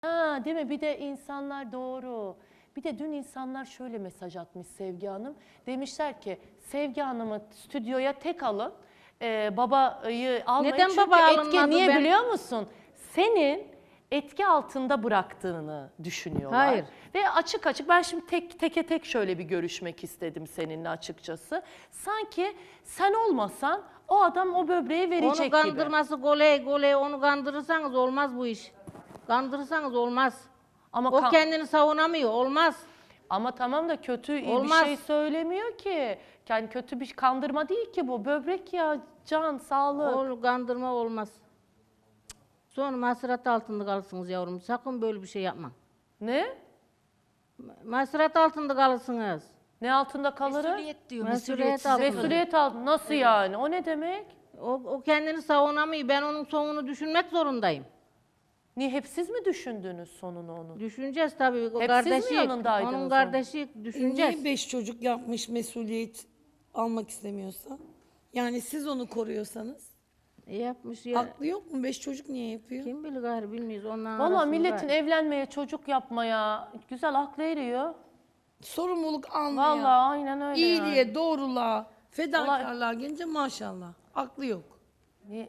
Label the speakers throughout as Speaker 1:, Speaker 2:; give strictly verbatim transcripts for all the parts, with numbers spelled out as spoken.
Speaker 1: Ha, değil mi? Bir de insanlar doğru. Bir de dün insanlar şöyle mesaj atmış Sevgi Hanım. Demişler ki Sevgi Hanım'ı stüdyoya tek alın. Ee, babayı almayın.
Speaker 2: Neden
Speaker 1: Çünkü
Speaker 2: baba
Speaker 1: etki
Speaker 2: alınmadı?
Speaker 1: niye
Speaker 2: Ben-
Speaker 1: biliyor musun? Senin etki altında bıraktığını düşünüyorlar.
Speaker 2: Hayır.
Speaker 1: Ve açık açık ben şimdi tek teke tek şöyle bir görüşmek istedim seninle açıkçası. Sanki sen olmasan o adam o böbreği verecek
Speaker 2: Onu
Speaker 1: gibi.
Speaker 2: kandırması goley goley, onu kandırırsanız olmaz bu iş. Kandırırsanız olmaz.
Speaker 1: Ama
Speaker 2: O
Speaker 1: kan-
Speaker 2: kendini savunamıyor, olmaz.
Speaker 1: Ama tamam da kötü iyi
Speaker 2: Olmaz.
Speaker 1: bir şey söylemiyor ki. Yani kötü bir kandırma değil ki bu. Böbrek ya, can, sağlık.
Speaker 2: O kandırma olmaz. Sonra masrat altında kalırsınız yavrum. Sakın böyle bir şey yapma.
Speaker 1: Ne?
Speaker 2: Masrat altında kalırsınız.
Speaker 1: Ne altında kalırım?
Speaker 3: Mesuliyet diyor.
Speaker 2: Mesuliyet
Speaker 3: Mesuliyet.
Speaker 2: altında.
Speaker 1: Mesuliyet altında. Nasıl yani? O ne demek?
Speaker 2: O, o kendini savunamıyor. Ben onun sonunu düşünmek zorundayım.
Speaker 1: Niye hep siz mi düşündünüz sonunu onun?
Speaker 2: Düşüneceğiz tabii. O
Speaker 1: Hep siz mi
Speaker 2: kardeşi,
Speaker 1: yanındaydınız
Speaker 2: onun
Speaker 1: onun?
Speaker 2: kardeşi düşüneceğiz.
Speaker 4: Niye beş çocuk yapmış mesuliyet almak istemiyorsa? Yani siz onu koruyorsanız.
Speaker 2: E, yapmış ya.
Speaker 4: Haklı yok mu? Beş çocuk niye yapıyor?
Speaker 2: Kim bilir gayrı bilmiyoruz. Onların
Speaker 1: Valla
Speaker 2: arasında-
Speaker 1: milletin evlenmeye, çocuk yapmaya güzel aklı eriyor.
Speaker 4: Sorumluluk almaya,
Speaker 1: Valla aynen öyle
Speaker 4: iyiliğe,
Speaker 1: yani.
Speaker 4: doğruluğa, fedakarlığa gelince maşallah. Aklı yok.
Speaker 1: Ne?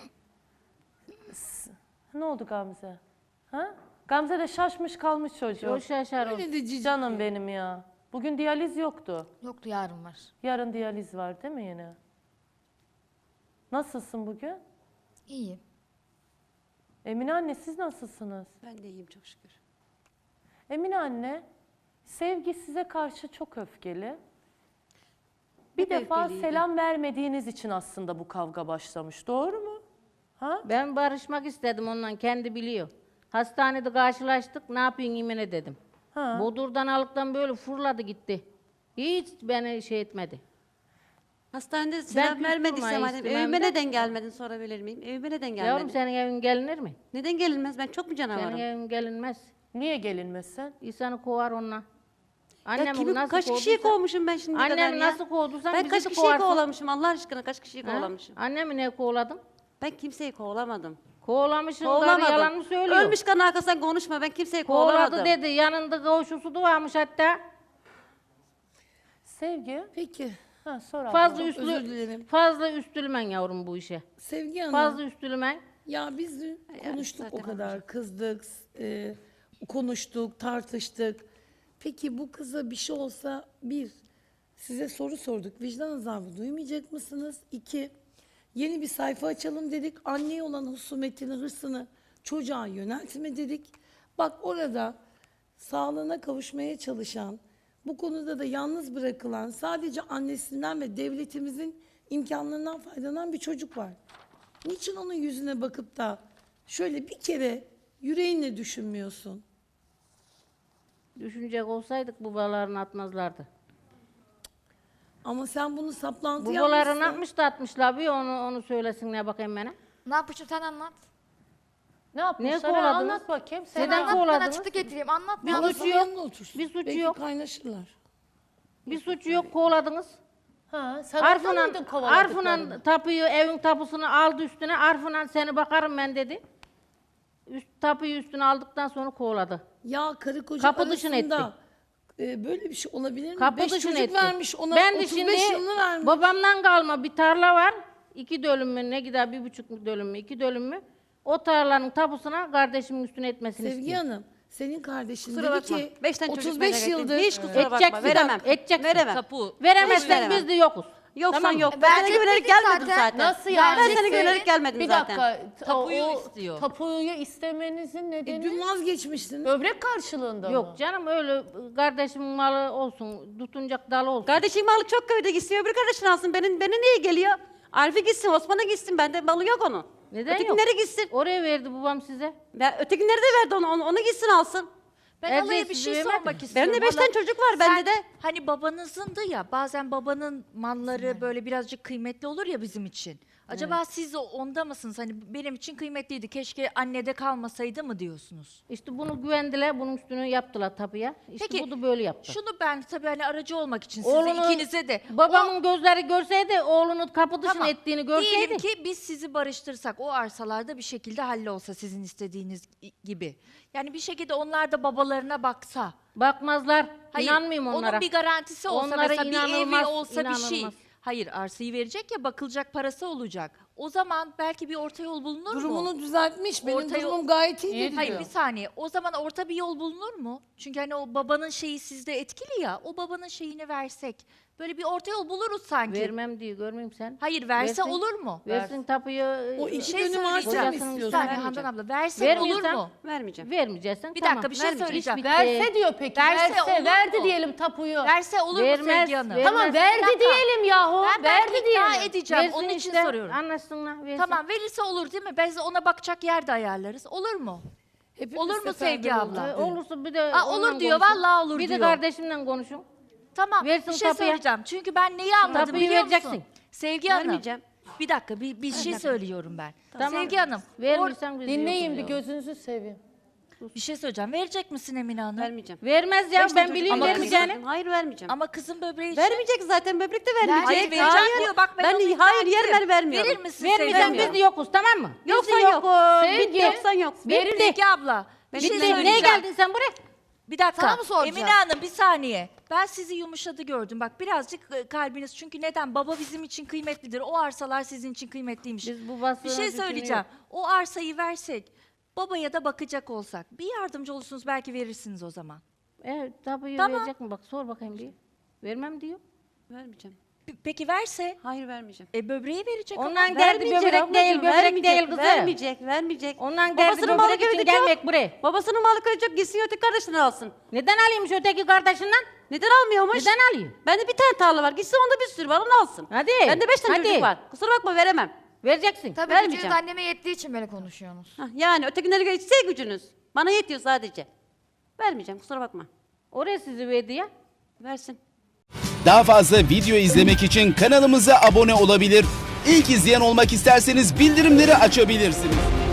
Speaker 1: S- Ne oldu Gamze? Ha? Gamze de şaşmış kalmış çocuğu.
Speaker 2: O şaşar o.
Speaker 4: Öyle de cici.
Speaker 1: Canım benim ya. Bugün diyaliz yoktu.
Speaker 3: Yoktu, yarın var.
Speaker 1: Yarın diyaliz var değil mi yine? Nasılsın bugün?
Speaker 3: İyiyim.
Speaker 1: Emine anne siz nasılsınız?
Speaker 5: Ben de iyiyim çok şükür.
Speaker 1: Emine anne, Sevgi size karşı çok öfkeli. Bir
Speaker 5: Hep
Speaker 1: defa
Speaker 5: öfkeliydi.
Speaker 1: selam vermediğiniz için aslında bu kavga başlamış. Doğru mu? Ha?
Speaker 2: Ben barışmak istedim ondan, kendi biliyor. Hastanede karşılaştık, ne yapıyorsun İmine dedim.
Speaker 1: Ha.
Speaker 2: Bodur'dan alıktan böyle fırladı gitti. Hiç beni şey etmedi.
Speaker 5: Hastanede selam
Speaker 2: küstüm
Speaker 5: vermediyse
Speaker 2: ha,
Speaker 5: madem
Speaker 2: istemem
Speaker 5: evime
Speaker 2: de.
Speaker 5: neden gelmedin sorabilir miyim? Evime neden gelmedin?
Speaker 2: Yavrum senin evin gelinir mi?
Speaker 5: Neden gelinmez? Ben çok mu
Speaker 2: Senin
Speaker 5: canavarım?
Speaker 2: evin gelinmez.
Speaker 1: Niye gelinmesin?
Speaker 2: İnsanı kovar onunla.
Speaker 5: Ya
Speaker 2: Annemi
Speaker 5: kimi,
Speaker 2: nasıl
Speaker 5: kaç kişiyi
Speaker 2: kovduysa-
Speaker 5: kovmuşum ben şimdiye kadar
Speaker 2: Annemi
Speaker 5: ya?
Speaker 2: nasıl kovduysan
Speaker 5: Ben
Speaker 2: bizi
Speaker 5: kaç
Speaker 2: de
Speaker 5: kişiyi
Speaker 2: kovarsın.
Speaker 5: kovalamışım Allah aşkına kaç kişiyi
Speaker 2: Ha?
Speaker 5: kovalamışım?
Speaker 2: Annemi ne kovaladım?
Speaker 5: Ben kimseyi kovalamadım.
Speaker 2: Kovalamışsın, karı
Speaker 5: Kovalamadım.
Speaker 2: yalan mı söylüyor?
Speaker 5: Ölmüş kan arkasından konuşma ben kimseyi
Speaker 2: Kovaladı
Speaker 5: kovalamadım.
Speaker 2: dedi, yanında kavuşusu da varmış hatta.
Speaker 1: Sevgi,
Speaker 4: Peki.
Speaker 1: ha sor abla.
Speaker 2: Fazla
Speaker 4: Çok
Speaker 2: üstlü,
Speaker 4: özür dilerim.
Speaker 2: fazla üstülmen yavrum bu işe.
Speaker 4: Sevgi Hanım.
Speaker 2: Fazla üstülmen.
Speaker 4: Ya biz dün konuştuk
Speaker 5: zaten
Speaker 4: o kadar. Kızdık, e, konuştuk, tartıştık. Peki bu kıza bir şey olsa bir, size soru sorduk. Vicdan azabı duymayacak mısınız? İki, yeni bir sayfa açalım dedik. Anneye olan husumetini, hırsını çocuğa yöneltme dedik. Bak orada sağlığına kavuşmaya çalışan, bu konuda da yalnız bırakılan, sadece annesinden ve devletimizin imkanlarından faydalanan bir çocuk var. Niçin onun yüzüne bakıp da şöyle bir kere yüreğinle düşünmüyorsun?
Speaker 2: Düşünecek olsaydık babalarını atmazlardı.
Speaker 4: Ama sen bunu saplantı
Speaker 2: Babalarını
Speaker 4: yapmışsın.
Speaker 2: atmış da atmışlar. Bir onu onu söylesin ne bakayım bana.
Speaker 3: Ne yapmışım, sen anlat.
Speaker 1: Ne yapmışlar?
Speaker 2: Niye kovaladınız?
Speaker 1: Anlat bakayım. Sen
Speaker 2: Neden
Speaker 1: anlat.
Speaker 3: Anlat, ben
Speaker 2: kovaladınız?
Speaker 3: açıklık getireyim. Anlat.
Speaker 4: Bir
Speaker 3: ne
Speaker 2: suç
Speaker 4: suçu
Speaker 2: yok.
Speaker 4: yanına otursun.
Speaker 2: Bir suçu
Speaker 4: Belki
Speaker 2: yok.
Speaker 4: kaynaşırlar.
Speaker 2: Bir suçu yok, kovaladınız.
Speaker 1: Ha, sen orada mıydın
Speaker 2: Arfınan,
Speaker 1: kovaladıklarını?
Speaker 2: Arfınan tapuyu, evin tapusunu aldı üstüne. Arfınan seni bakarım ben dedi. Üst, tapuyu üstüne aldıktan sonra kovaladı.
Speaker 4: Ya karı koca
Speaker 2: Kapı dışına
Speaker 4: arasında e, böyle bir şey olabilir mi?
Speaker 2: Kapı
Speaker 4: Beş
Speaker 2: dışına
Speaker 4: çocuk
Speaker 2: etti.
Speaker 4: vermiş ona
Speaker 2: ben de
Speaker 4: otuz
Speaker 2: şimdi
Speaker 4: beş yılını vermiş.
Speaker 2: babamdan kalma bir tarla var. İki dönüm mü ne gider, bir buçuk dönüm mü, iki dönüm mü? O tarlanın tapusuna kardeşimin üstüne etmesini
Speaker 4: Sevgi
Speaker 2: istiyor.
Speaker 4: Hanım, senin kardeşin
Speaker 5: Kusura
Speaker 4: dedi
Speaker 5: bakma.
Speaker 4: ki
Speaker 5: Beş tane çocuk
Speaker 4: otuz beş
Speaker 5: merak ettim.
Speaker 4: yıldır
Speaker 5: Hiç kusura bakma.
Speaker 2: Edeceksin,
Speaker 5: Veremem.
Speaker 2: edeceksin.
Speaker 5: Veremem.
Speaker 3: Tapu.
Speaker 2: Veremezsen
Speaker 5: veremem.
Speaker 2: biz de yokuz.
Speaker 5: Yoksan
Speaker 2: Tamam mı?
Speaker 5: yok. Ben sana
Speaker 3: Verecek
Speaker 5: güvenerek
Speaker 3: miydin
Speaker 5: gelmedim
Speaker 3: zaten?
Speaker 5: zaten.
Speaker 1: Nasıl yani?
Speaker 5: Ben sana
Speaker 1: Siz-
Speaker 5: güvenerek gelmedim
Speaker 1: bir
Speaker 5: zaten.
Speaker 1: dakika.
Speaker 6: Tapuyu
Speaker 1: o-
Speaker 6: istiyor.
Speaker 1: Tapuyu istemenizin nedeni
Speaker 4: e, dün vazgeçmiştin.
Speaker 1: böbrek karşılığında mı?
Speaker 2: Yok canım öyle kardeşimin malı olsun, tutunacak dalı olsun.
Speaker 5: Kardeşim malı çok köyde gitsin. Öbür kardeşin alsın. Benim, beni niye geliyor? Arif'e gitsin, Osman'a gitsin. Bende malı yok onun.
Speaker 2: Neden yok?
Speaker 5: Ötekinlere gitsin.
Speaker 2: Oraya verdi babam size.
Speaker 5: Ya, ötekinleri de verdi onu, onu, onu gitsin alsın.
Speaker 6: Ben
Speaker 2: Elde
Speaker 6: Alaya bir
Speaker 2: sizi
Speaker 6: şey
Speaker 2: vermem
Speaker 6: sormak
Speaker 2: mi?
Speaker 6: istiyorum.
Speaker 5: Benim de beş
Speaker 6: Hala,
Speaker 5: tane çocuk var bende
Speaker 6: sen
Speaker 5: de.
Speaker 6: Hani babanızındı ya, bazen babanın malları böyle birazcık kıymetli olur ya bizim için. Acaba siz de onda mısınız? Hani benim için kıymetliydi, keşke annede kalmasaydı mı diyorsunuz?
Speaker 2: İşte bunu güvendiler, bunun üstünü yaptılar tapuya. İşte
Speaker 6: Peki,
Speaker 2: bu da böyle yaptı.
Speaker 6: Şunu ben tabii hani aracı olmak için size
Speaker 2: Oğlunu-
Speaker 6: ikinize de.
Speaker 2: Babamın gözleri görseydi, oğlunu kapı dışına
Speaker 6: Tamam.
Speaker 2: ettiğini görseydi.
Speaker 6: Diyelim ki biz sizi barıştırsak, o arsalarda bir şekilde hallolsa sizin istediğiniz gibi. Yani bir şekilde onlar da babalarına baksa.
Speaker 2: Bakmazlar.
Speaker 6: Hayır,
Speaker 2: İnanmıyorum onlara.
Speaker 6: onun bir garantisi olsa
Speaker 2: Onlara
Speaker 6: mesela bir evi
Speaker 2: inanılmaz,
Speaker 6: olsa bir şey.
Speaker 2: inanılmaz.
Speaker 6: Hayır, arsayı verecek ya, bakılacak parası olacak. O zaman belki bir orta yol bulunur mu?
Speaker 4: Durumunu düzeltmiş. Benim
Speaker 6: Orta yol-
Speaker 4: durumum gayet iyi dedi
Speaker 6: Hayır
Speaker 4: diyor.
Speaker 6: bir saniye. O zaman orta bir yol bulunur mu? Çünkü hani o babanın şeyi sizde etkili ya. O babanın şeyini versek. Böyle bir orta yol buluruz sanki.
Speaker 2: Vermem diyor, görmeyeyim sen.
Speaker 6: Hayır verse
Speaker 2: Versin.
Speaker 6: olur mu?
Speaker 2: Versin tapuyu.
Speaker 4: O
Speaker 2: e,
Speaker 4: iki
Speaker 6: şey
Speaker 4: dönüm arsa mı
Speaker 6: söyleyeceğim.
Speaker 2: Kocasının
Speaker 6: Bir
Speaker 4: istiyorsun?
Speaker 6: saniye
Speaker 5: Vermeyeceğim.
Speaker 6: Handan abla. Verse olur
Speaker 2: Vermiyorsan-
Speaker 6: mu?
Speaker 5: Vermeyeceğim.
Speaker 2: Vermeyeceksin.
Speaker 6: Bir
Speaker 2: tamam.
Speaker 6: dakika, bir şey
Speaker 2: Vermeyeceğim.
Speaker 6: söyleyeceğim.
Speaker 2: İş bitti.
Speaker 1: Verse diyor peki.
Speaker 6: Verse
Speaker 1: Verse,
Speaker 6: olur
Speaker 1: verdi
Speaker 6: mu?
Speaker 1: diyelim tapuyu.
Speaker 6: Verse olur mu
Speaker 2: Vermez,
Speaker 6: Sevgi Hanım?
Speaker 2: vermez.
Speaker 1: Tamam verdi
Speaker 6: Bir dakika.
Speaker 1: diyelim yahu.
Speaker 6: Ben
Speaker 1: verdi
Speaker 6: belki ikna
Speaker 1: diyelim.
Speaker 6: edeceğim.
Speaker 2: Versin
Speaker 6: Onun için
Speaker 2: işte,
Speaker 6: soruyorum.
Speaker 2: Anlaşsınlar. Versin.
Speaker 6: Tamam verirse olur değil mi? Biz ona bakacak yer de ayarlarız. Olur mu?
Speaker 4: Hepimiz
Speaker 6: Olur mu
Speaker 4: seferber
Speaker 6: Sevgi abla?
Speaker 4: olduk.
Speaker 2: Ee, olursa bir de
Speaker 6: Aa, olur
Speaker 2: onunla
Speaker 6: diyor,
Speaker 2: konuşun.
Speaker 6: vallahi olur
Speaker 2: Bir
Speaker 6: diyor.
Speaker 2: de kardeşimle konuşun.
Speaker 6: Tamam
Speaker 2: Versin
Speaker 6: bir şey
Speaker 2: tapuya.
Speaker 6: söyleyeceğim. Çünkü ben neyi anladım
Speaker 2: Tapuyu
Speaker 6: biliyor musun?
Speaker 2: vereceksin.
Speaker 6: Sevgi Hanım.
Speaker 5: Vermeyeceğim.
Speaker 6: Bir dakika bir, bir şey söylüyorum ben.
Speaker 2: Tamam.
Speaker 6: Sevgi Hanım. or-
Speaker 2: Vermirsen biz
Speaker 1: Dinleyin bir
Speaker 2: yokuz
Speaker 1: gözünüzü seveyim.
Speaker 6: bir şey söyleyeceğim. Verecek misin Emine Hanım?
Speaker 5: Vermeyeceğim.
Speaker 2: ya. Vermez ya,
Speaker 5: Beş tane
Speaker 2: ben
Speaker 5: çocuk-
Speaker 2: biliyorum
Speaker 6: Ama
Speaker 2: vermeyeceğini.
Speaker 5: Hayır vermeyeceğim.
Speaker 6: Ama kızın böbreği için.
Speaker 5: Vermeyecek zaten, böbrek de vermeyecek.
Speaker 6: Hayır vereceğim diyor. Bak ben,
Speaker 5: ben
Speaker 6: onu ikna
Speaker 5: hayır yer
Speaker 6: ettim.
Speaker 5: ver vermiyorum.
Speaker 6: Verir misin Sevgi
Speaker 2: Vermeyeceksin,
Speaker 6: abla?
Speaker 2: biz de yokuz, tamam mı? Biz
Speaker 5: Yoksa
Speaker 2: de
Speaker 5: yok.
Speaker 2: yokuz,
Speaker 1: Sevgi.
Speaker 2: bitti.
Speaker 5: Yoksan yok.
Speaker 2: Bitti.
Speaker 6: Sevgi abla. Bir şey
Speaker 2: Bitti. Neye
Speaker 6: söyleyeceğim.
Speaker 2: geldin sen buraya?
Speaker 6: Bir dakika.
Speaker 3: Sana mı soracağım?
Speaker 6: Emine Hanım bir saniye. Ben sizi yumuşadı gördüm. Bak birazcık e, kalbiniz. Çünkü neden? Baba bizim için kıymetlidir. O arsalar sizin için kıymetliymiş.
Speaker 2: Biz bu basının
Speaker 6: Bir şey
Speaker 2: hükmünü
Speaker 6: söyleyeceğim.
Speaker 2: yok.
Speaker 6: O arsayı versek, babaya da bakacak olsak, bir yardımcı olursunuz belki verirsiniz o zaman.
Speaker 2: Evet, tapuyu
Speaker 6: Tamam.
Speaker 2: verecek mi? Bak sor bakayım bir. Vermem diyor.
Speaker 5: Vermeyeceğim.
Speaker 6: P- Peki verse,
Speaker 5: Hayır vermeyeceğim.
Speaker 6: e, böbreği verecek ama.
Speaker 2: Ondan geldi
Speaker 5: Vermeyecek
Speaker 2: böbrek
Speaker 5: ablacığım,
Speaker 2: değil, böbrek
Speaker 5: vermeyecek,
Speaker 2: değil kızım.
Speaker 5: Vermeyecek, vermeyecek.
Speaker 2: Ondan geldi
Speaker 5: Babasının malı
Speaker 2: böbrek için
Speaker 5: köyde çok.
Speaker 2: gelmek buraya.
Speaker 5: Babasının malı köyde çok, gitsin öteki kardeşini alsın.
Speaker 2: Neden alayım şu öteki kardeşinden?
Speaker 5: Neden almıyormuş?
Speaker 2: Neden alayım?
Speaker 5: Bende bir tane tarla var. Gitsin onda bir sürü var, onu alsın.
Speaker 2: Hadi,
Speaker 5: Bende beş tane
Speaker 2: hadi.
Speaker 5: çocuk var. Kusura bakma veremem.
Speaker 2: Vereceksin.
Speaker 3: Tabii
Speaker 5: Vermeyeceğim.
Speaker 3: gücünüz anneme yettiği için böyle konuşuyorsunuz.
Speaker 5: Hah, yani ötekileri geçse gücünüz. Bana yetiyor sadece. Vermeyeceğim, kusura bakma.
Speaker 2: Oraya sizi verdi ya.
Speaker 5: Versin.
Speaker 7: Daha fazla video izlemek için kanalımıza abone olabilir. İlk izleyen olmak isterseniz bildirimleri açabilirsiniz.